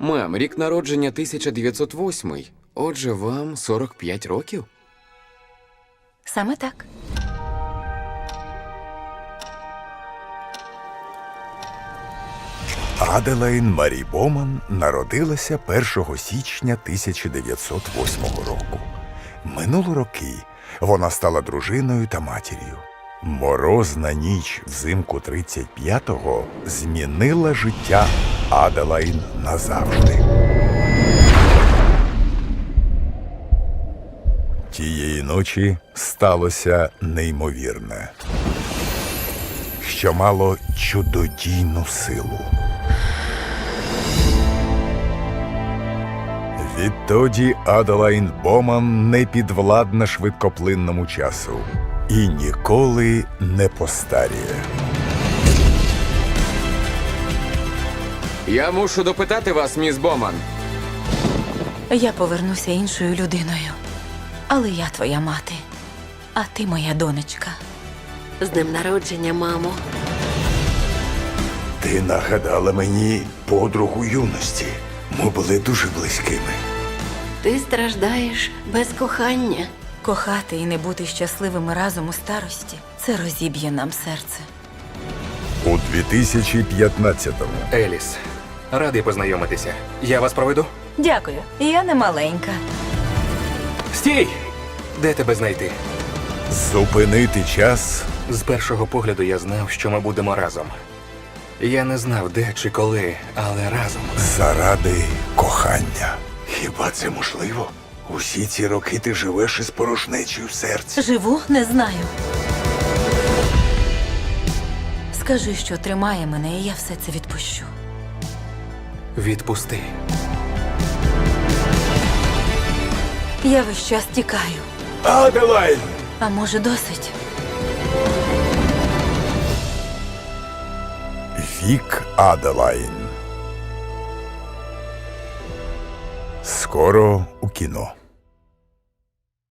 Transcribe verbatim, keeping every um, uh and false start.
Мам, рік народження тисяча дев'ятсот восьмий. Отже, вам сорок п'ять років? Саме так. Аделайн Марі Боман народилася першого січня тисяча дев'ятсот восьмого року. Минуло роки вона стала дружиною та матір'ю. Морозна ніч взимку тридцять п'ятого змінила життя Аделайн назавжди. Тієї ночі сталося неймовірне, що мало чудодійну силу. Відтоді Аделайн Боман не підвладна швидкоплинному часу і ніколи не постаріє. Я мушу допитати вас, міс Боман. Я повернуся іншою людиною. Але я твоя мати, а ти моя донечка. З днем народження, мамо. Ти нагадала мені подругу юності. Ми були дуже близькими. Ти страждаєш без кохання. Кохати і не бути щасливими разом у старості – це розіб'є нам серце. У дві тисячі п'ятнадцятому Еліс, радий познайомитися. Я вас проведу? Дякую, я не маленька. Стій! Де тебе знайти? зупинити час З першого погляду я знав, що ми будемо разом. Я не знав, де чи коли, але разом. заради кохання. Хіба це можливо? Усі ці роки ти живеш із порожнечею в серці. Живу, не знаю. Скажи, що тримає мене, і я все це відпущу. Відпусти. Я весь час тікаю. Аделайн! А може, досить? Вік Аделайн. Скоро у кіно.